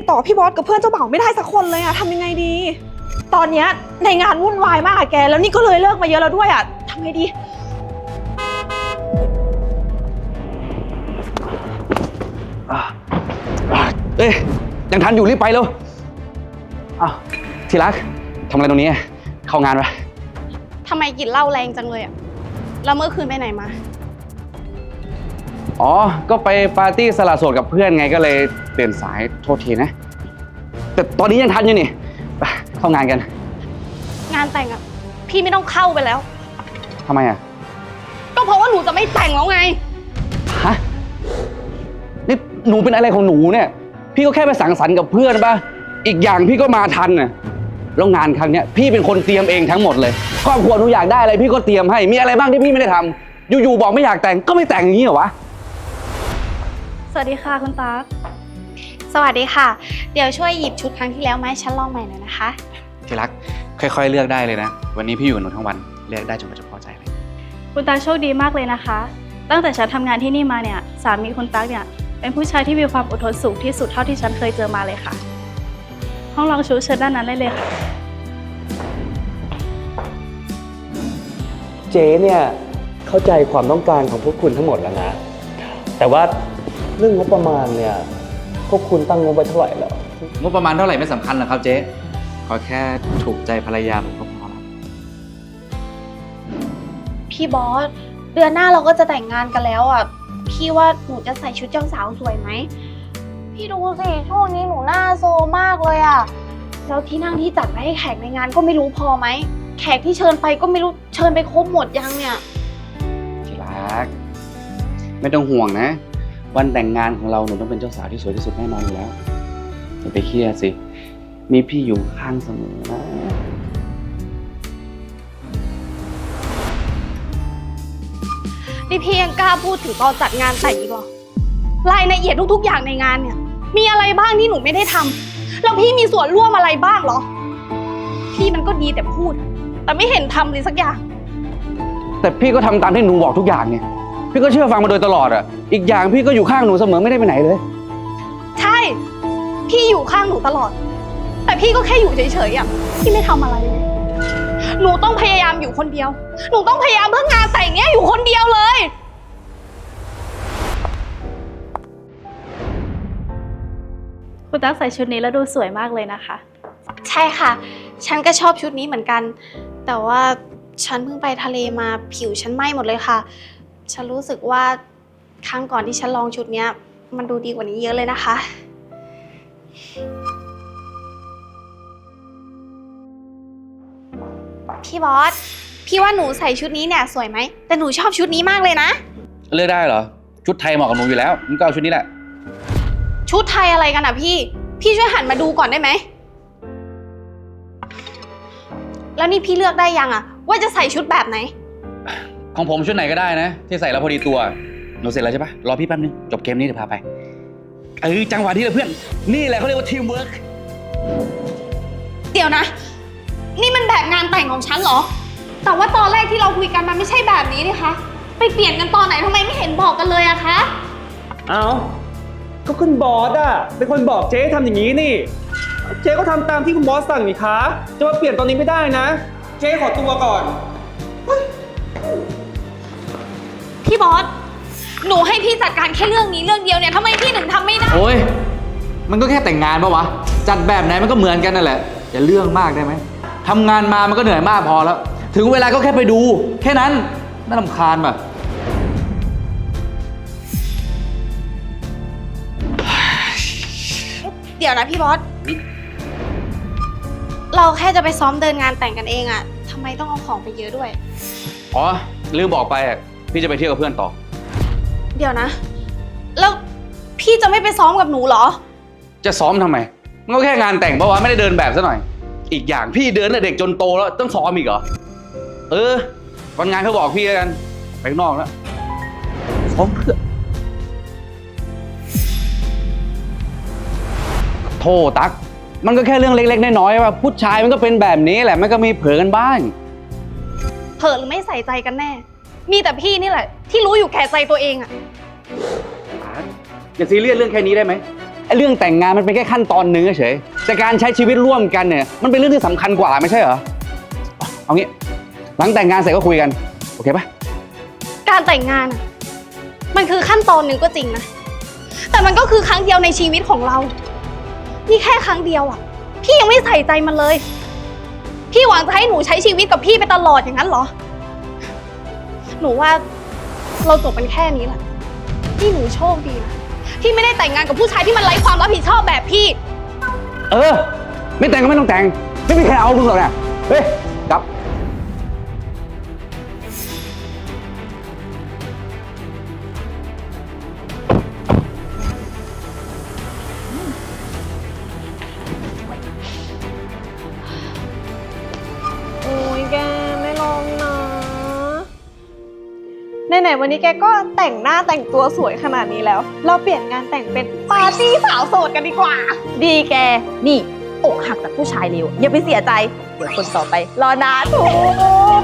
ต่อพี่บอสกับเพื่อนเจ้าบ่าวไม่ได้สักคนเลยอะทำยังไงดีตอนเนี้ยในงานวุ่นวายมากอะแกแล้วนี่ก็เลยเลิกมาเยอะแล้วด้วยอะทำไงดีเอ้ยยังทันอยู่รีบไปเร็วอ้าวที่รักทำอะไรตรงนี้เข้างานไปทำไมกลิ่นเหล้าแรงจังเลยอะแล้วเมื่อคืนไปไหนมาอ๋อก็ไปปาร์ตี้สละโสดกับเพื่อนไงก็เลยตื่นสายโทษทีนะแต่ตอนนี้ยังทันอยู่นี่ไปเข้างานกันงานแต่งอะพี่ไม่ต้องเข้าไปแล้วทำไมอ่ะก็เพราะว่าหนูจะไม่แต่งแล้วไงฮะนี่หนูเป็นอะไรของหนูเนี่ยพี่ก็แค่ไปสังสรรค์กับเพื่อนป่ะอีกอย่างพี่ก็มาทันน่ะแล้วงานครั้งเนี้ยพี่เป็นคนเตรียมเองทั้งหมดเลยครอบครัวหนูอยากได้อะไรพี่ก็เตรียมให้มีอะไรบ้างที่พี่ไม่ได้ทำอยู่ๆบอกไม่อยากแต่งก็ไม่แต่งอย่างนี้เหรอวะสวัสดีค่ะคุณตั๊กสวัสดีค่ะเดี๋ยวช่วยหยิบชุดครั้งที่แล้วมาให้ฉันลองใหม่หน่อยนะคะที่รักค่อยๆเลือกได้เลยนะวันนี้พี่อยู่กับหนูทั้งวันเลือกได้จนกว่าจะพอใจเลยคุณตั๊กโชคดีมากเลยนะคะตั้งแต่ฉันทำงานที่นี่มาเนี่ยสามีคุณตั๊กเนี่ยเป็นผู้ชายที่มีความอดทนสูงที่สุดเท่าที่ฉันเคยเจอมาเลยค่ะห้องลองชุดเชิญด้านนั้นได้เลยค่ะเจ๊เนี่ยเข้าใจความต้องการของพวกคุณทั้งหมดแล้วนะแต่ว่าเรื่องงบประมาณเนี่ยพวกคุณตั้งงบไว้เท่าไหร่แล้วงบประมาณเท่าไหร่ไม่สำคัญหรอกครับเจ๊ขอแค่ถูกใจภรรยาผมก็พอแล้วพี่บอสเดือนหน้าเราก็จะแต่งงานกันแล้วอ่ะพี่ว่าหนูจะใส่ชุดเจ้าสาวสวยไหมพี่ดูสิช่วงนี้หนูหน้าโซมากเลยอ่ะแล้วที่นั่งที่จัดไว้ให้แขกในงานก็ไม่รู้พอไหมแขกที่เชิญไปก็ไม่รู้เชิญไปครบหมดยังเนี่ยที่รักไม่ต้องห่วงนะวันแต่งงานของเราหนูต้องเป็นเจ้าสาวที่สวยที่สุดแน่นอนอยู่แล้วอย่าไปเครียดสิมีพี่อยู่ข้างเสมอนะนี่พี่ยังกล้าพูดถึงตอนจัดงานแต่งอีกเหรอรายละเอียดทุกๆอย่างในงานเนี่ยมีอะไรบ้างที่หนูไม่ได้ทำแล้วพี่มีส่วนร่วมอะไรบ้างเหรอพี่มันก็ดีแต่พูดแต่ไม่เห็นทำเลยสักอย่างแต่พี่ก็ทำตามที่หนูบอกทุกอย่างเนี่ยพี่ก็เชื่อฟังมาโดยตลอดอ่ะอีกอย่างพี่ก็อยู่ข้างหนูเสมอไม่ได้ไปไหนเลยใช่พี่อยู่ข้างหนูตลอดแต่พี่ก็แค่อยู่เฉยๆอ่ะพี่ไม่ทำอะไรเลยหนูต้องพยายามอยู่คนเดียวหนูต้องพยายามเพื่องานแต่งเนี้ยอยู่คนเดียวเลยคุณตั๊กใส่ชุดนี้แล้วดูสวยมากเลยนะคะใช่ค่ะฉันก็ชอบชุดนี้เหมือนกันแต่ว่าฉันเพิ่งไปทะเลมาผิวฉันไหม้หมดเลยค่ะฉันรู้สึกว่าครั้งก่อนที่ฉันลองชุดเนี้ยมันดูดีกว่านี้เยอะเลยนะคะพี่บอสพี่ว่าหนูใส่ชุดนี้เนี่ยสวยไหมแต่หนูชอบชุดนี้มากเลยนะเลือกได้เหรอชุดไทยเหมาะกับหนูอยู่แล้วงั้นก็เอาชุดนี้แหละชุดไทยอะไรกันอ่ะพี่ช่วยหันมาดูก่อนได้ไหมแล้วนี่พี่เลือกได้ยังอ่ะว่าจะใส่ชุดแบบไหนของผมชุดไหนก็ได้นะที่ใส่แล้วพอดีตัวหนูเสร็จแล้วใช่ปะรอพี่แป๊บนึงจบเกมนี้เดี๋ยวพาไปจังหวะที่เลยเพื่อนนี่แหละเขาเรียกว่าทีมเวิร์กเดี๋ยวนะนี่มันแบบงานแต่งของฉันเหรอแต่ว่าตอนแรกที่เราคุยกันมันไม่ใช่แบบนี้นี่คะไปเปลี่ยนกันตอนไหนทำไมไม่เห็นบอกกันเลยอะคะเอาก็คุณบอสอะเป็นคนบอกเจ๊ทำอย่างนี้นี่เจ๊ก็ทำตามที่คุณบอสสั่งนี่คะจะมาเปลี่ยนตอนนี้ไม่ได้นะเจ๊ขอตัวก่อนพี่บอสหนูให้พี่จัดการแค่เรื่องนี้เรื่องเดียวเนี่ยทำไมพี่ถึงทำไม่ได้โอ้ยมันก็แค่แต่งงานปะวะจัดแบบไหนมันก็เหมือนกันนั่นแหละอย่าเรื่องมากได้ไหมทำงานมามันก็เหนื่อยมากพอแล้วถึงเวลาก็แค่ไปดูแค่นั้นน่ารำคาญป่ะเดี๋ยวนะพี่บอสเราแค่จะไปซ้อมเดินงานแต่งกันเองอะทำไมต้องเอาของไปเยอะด้วยอ๋อลืมบอกไปอ่ะพี่จะไปเที่ยวกับเพื่อนต่อเดี๋ยวนะแล้วพี่จะไม่ไปซ้อมกับหนูเหรอจะซ้อมทำไมมันก็แค่งานแต่งปะวะไม่ได้เดินแบบซะหน่อยอีกอย่างพี่เดินแต่เด็กจนโตแล้วต้องซ้อมอีกเหรอวันงานเขาบอกพี่แล้วกันไปข้างนอกแล้วซ้อมเพื่อโธ่ตั๊กมันก็แค่เรื่องเล็กๆน้อยๆว่าผู้ชายมันก็เป็นแบบนี้แหละมันก็มีเผลอกันบ้างเผลอหรือไม่ใส่ใจกันแน่มีแต่พี่นี่แหละที่รู้อยู่แก่ใจตัวเองอะอย่าซีเรียสเรื่องแค่นี้ได้ไหมไอ้เรื่องแต่งงานมันเป็นแค่ขั้นตอนหนึ่งเฉยแต่การใช้ชีวิตร่วมกันเนี่ยมันเป็นเรื่องที่สำคัญกว่าไม่ใช่เหรอเอางี้หลังแต่งงานเสร็จก็คุยกันโอเคปะการแต่งงานอะมันคือขั้นตอนหนึ่งก็จริงนะ แต่มันก็คือครั้งเดียวในชีวิตของเรา นี่แค่ครั้งเดียวอ่ะ พี่ยังไม่ใส่ใจมันเลย พี่หวังจะให้หนูใช้ชีวิตกับพี่ไปตลอดอย่างนั้นเหรอ หนูว่าเราจบกันแค่นี้แหละที่หนูโชคดีนะที่ไม่ได้แต่งงานกับผู้ชายที่มันไร้ความรับผิดชอบแบบพี่เออไม่แต่งก็ไม่ต้องแต่งไม่มีใครเอามึงหรอกนะเฮ้ยกลับโอ้ยแกไม่ลองนะไหนๆวันนี้แกก็แต่งหน้าแต่งตัวสวยขนาดนี้แล้ว เราเปลี่ยนงานแต่งเป็นปาร์ตี้สาวโสดกันดีกว่าดีแก นี่อกหักจากผู้ชายเลวอย่าไปเสียใจ เดี๋ยวคนต่อไป รอนานถูก